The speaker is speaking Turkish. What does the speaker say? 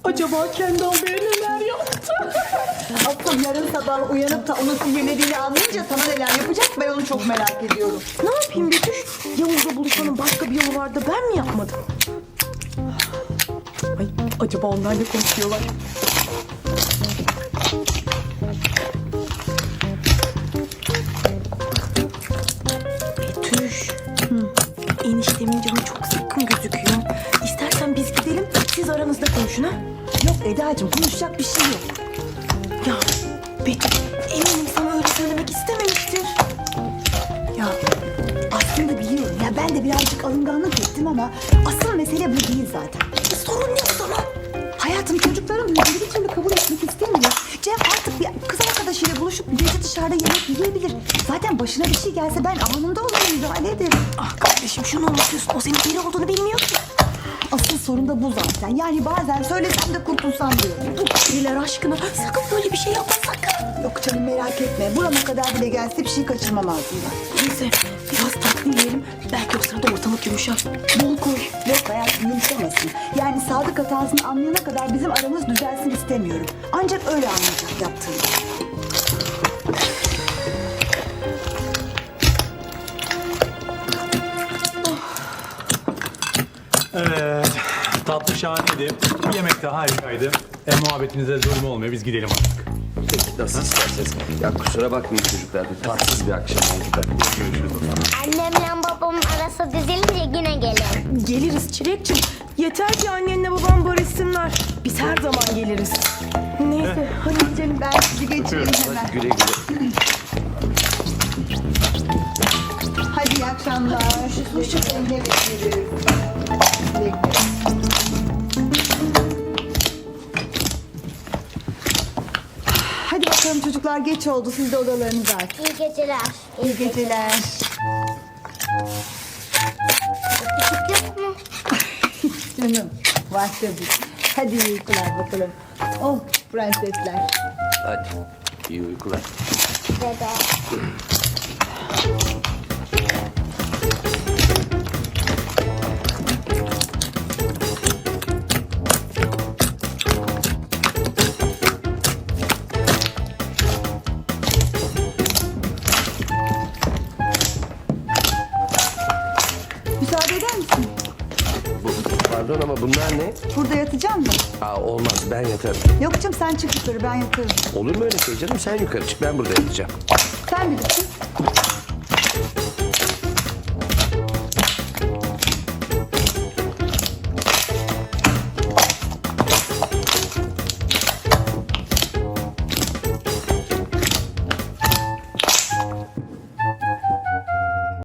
Acaba Kendal Bey neler yaptı? Asıl yarın sabah uyanıp da onu sihirlediğini anlayınca sana neler yapacak ben onu çok merak ediyorum. Ne yapayım Betüş? Yavuz'la buluşmanın başka bir yolu vardı, ben mi yapmadım? Ay, acaba onlar ne konuşuyorlar? Betüş. Eniştemin canı çok sıkkın gözüküyor. İstersen biz gidelim, siz aranızda konuşun ha? Yok Eda'cığım konuşacak bir şey yok. Ya Betüş, eminim sana öyle söylemek istememiştir. Ya aslında biliyorum ya ben de birazcık alınganlık ettim ama asıl mesele bu değil zaten. Sorun ne o zaman? Hayatım çocukların büyüdüğünü bir türlü kabul etmek istemiyor. Cem artık bir kız arkadaşıyla buluşup gece dışarıda yemek yiyebilir. Zaten başına bir şey gelse ben anında ona müdahale ederim. Ah kardeşim şunu unutuyorsun. O senin deli olduğunu bilmiyor ki. Asıl sorun da bu zaten. Yani bazen söylesem de kurtulsam diyorum. Bu deliler aşkına sakın böyle bir şey yapma sakın. Yok canım merak etme. Burama kadar bile gelse bir şey kaçırmam ağzımdan. Neyse biraz tatlı yiyelim. Belki o sırada ortalık yumuşar. Bol koy. Yok hayatım yumuşamasın. Yani Sadık hatasını anlayana kadar bizim aramız düzelsin istemiyorum. Ancak öyle anlayacak yaptığını. Evet, tatlı şahaneydi. Yemek de harikaydı. Muhabbetinize zulüm olmuyor, biz gidelim artık. Peki nasıl isterseniz. Ya kusura bakmayın çocuklar. Bir tatsız bir akşam oldu da. Görüşürüz o zaman. Annemle babamın arası düzelince yine gelin. Geliriz Çilekçim. Yeter ki annenle babam barışsınlar. Biz her zaman geliriz. Neyse hadi gidelim. Ben sizi geçireyim hemen. Güle güle. Hadi iyi akşamlar. Hoşçakalın. Evet, görüşürüz. Güle güle. Hadi bakalım çocuklar geç oldu. Siz de odalarınıza artık. İyi geceler. İyi geceler. Yok mu? Canım var tabii. Hadi iyi uykular bakalım. Oh prensesler. Hadi. İyi uykular. Dede. Müsaade eder misin? Pardon ama bunlar ne? Burada yatacağım mı? Aa, olmaz ben yatarım. Yok canım sen çık yukarı ben yatarım. Olur mu öyle şey canım? Sen yukarı çık ben burada yatacağım. Sen bilirsin.